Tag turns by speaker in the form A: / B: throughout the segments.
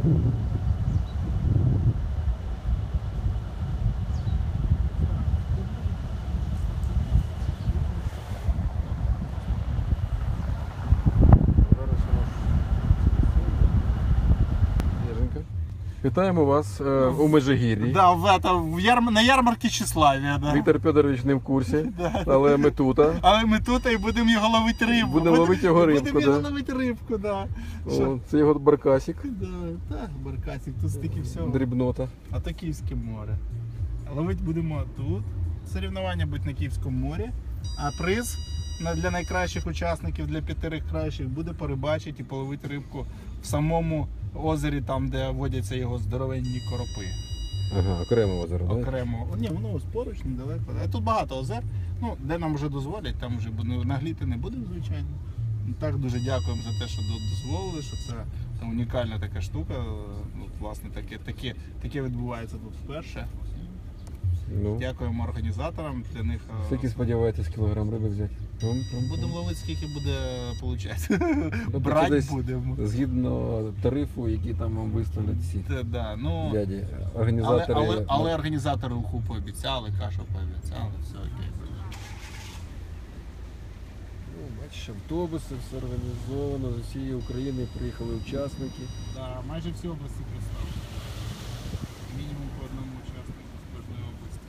A: Вітаємо вас у Межигір'ї.
B: Да, на ярмарці Тщеславія. Да.
A: Віктор Федорович не в курсі, але ми тут.
B: Але ми тут і будемо його ловити рибку.
A: Будемо ловити його рибку.
B: Будемо його ловити рибку, да.
A: О, це його баркасик.
B: Да, так, баркасик, тут стільки всього.
A: Дрібнота.
B: А то Київське море. Ловити будемо тут. Соревнування будуть на Київському морі. А приз для найкращих учасників, для 5 кращих, буде порибачити і половити рибку в самому озері, там де водяться його здоровенні коропи.
A: Ага, окремо озеро, так?
B: Окремо. Ні, воно ось поруч, недалеко. А тут багато озер. Ну, де нам вже дозволять, там вже нагліти не будемо, звичайно. Так, дуже дякуємо за те, що дозволили, що це унікальна така штука. Ну, власне, таке відбувається тут вперше.
A: Ну.
B: Дякуємо організаторам. Для них.
A: Скільки сподіваєтесь кілограм риби взяти?
B: Будемо ловити, скільки буде виходити. Брати будемо.
A: Згідно тарифу, який там вам виставлять всі. Дяді, організатори.
B: Але організатори уху пообіцяли, кашу пообіцяли, все окей.
A: Бачиш, автобуси, все організовано, з усієї України приїхали учасники.
B: Так, майже всі області представлені. Мінімум по одному учаснику з кожної області.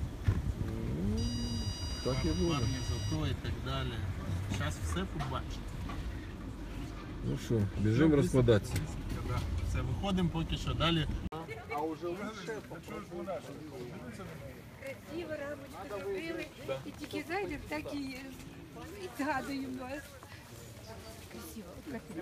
A: Так і буде.
B: Парні, зато і так далі. Зараз все побачите.
A: Ну що, біжимо розкладатися.
B: Все, виходимо поки що далі.
C: Красиво рамочку зробили, і тільки зайдемо, так і згадуємо вас. Красиво, красиво.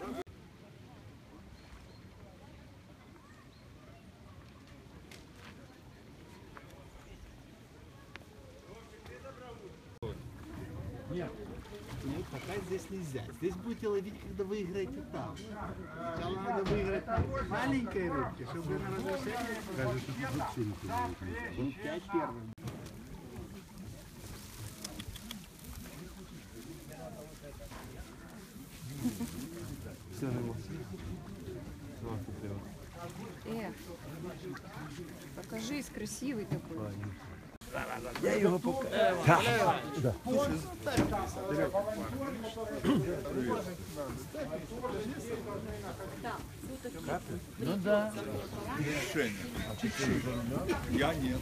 B: Нет, пока здесь нельзя. Здесь будете ловить, когда выиграете там. Сначала надо выиграть маленькой рыбки, чтобы на разрешение... Скажешь, что тут вообще не он 5 первых.
C: Покажись, красивый такой.
B: Я его покажу. Да. Ну да.
D: Решение. Я нет.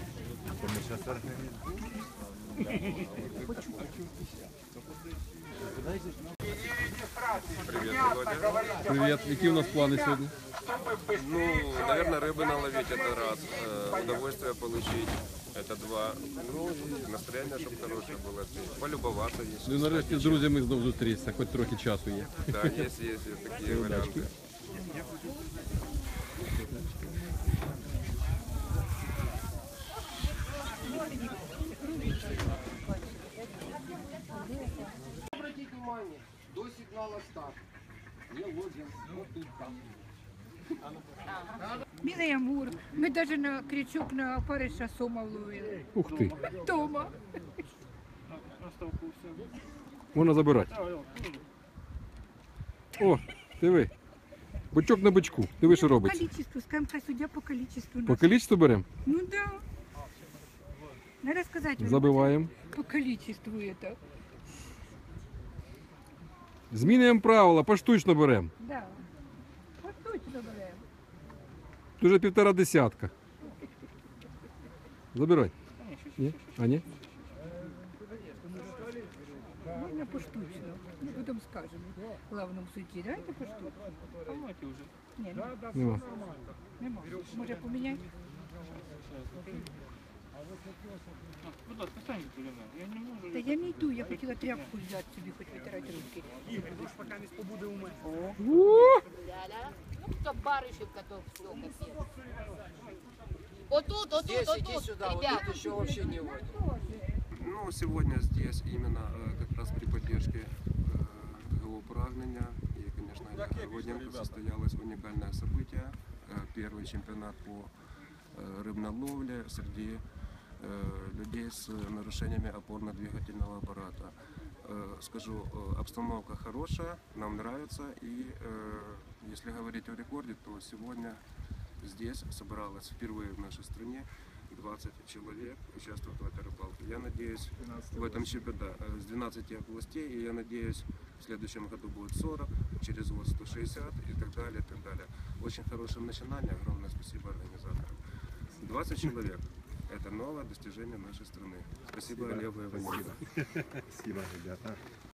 E: Привет, Володя.
A: Привіт, які у нас плани сьогодні?
E: Ну, наверное, рыбы наловить это раз, удовольствие получить это два, ну и настроение, чтобы хорошее было, полюбоваться есть.
A: Ну і нарешті з друзями знову зустрітися, хоч трохи часу є.
E: Да, есть такие варианты.
F: Обратите внимание, до сигнала старт. Не ловим, вот тут там.
C: Милый Амур, мы даже на крючок на опарыша сома ловили.
A: Ух ти,
C: Тома.
A: можна забирати. О, диви. Бочок на бочку. Диви, що робиться.
C: Количество, скажем, судья по количеству.
A: По количеству беремо?
C: Ну да. Надо сказать. вам,
A: Забиваємо.
C: По количеству это.
A: Змінюємо правила, поштучно беремо.
C: Да. Вот точно говорю.
A: Дуже 1,5 десятка. Забирай. Ні? А ні?
C: Можно поштучно. Ну, потом скажем. Главному судьи, давайте поштучно. Ні,
A: Нема.
C: нема. Може поміняти? Та я не йду, я хотіла тряпку взяти собі, хоч витирати руки.
G: Ну, кто барышев, который все капец. Вот тут,
F: Иди сюда, вот
G: ребят.
F: тут еще вообще не водит.
E: Ну, сегодня здесь именно как раз при поддержке ГО «Прагнення». И, конечно, Водненко состоялось уникальное событие. Первый чемпионат по рыбной ловле среди людей с нарушениями опорно-двигательного аппарата. Скажу, обстановка хорошая, нам нравится, и Если говорить о рекорде, то сегодня здесь собралось впервые в нашей стране 20 человек участвуют в этой рыбалке. Я надеюсь, в этом чемпионате с 12 областей, и я надеюсь, в следующем году будет 40, через год 160 и так далее, и так далее. Очень хорошее начинание, огромное спасибо организаторам. 20 человек. Это новое достижение нашей страны. Спасибо Олегу и Валентину.
H: Спасибо, ребята.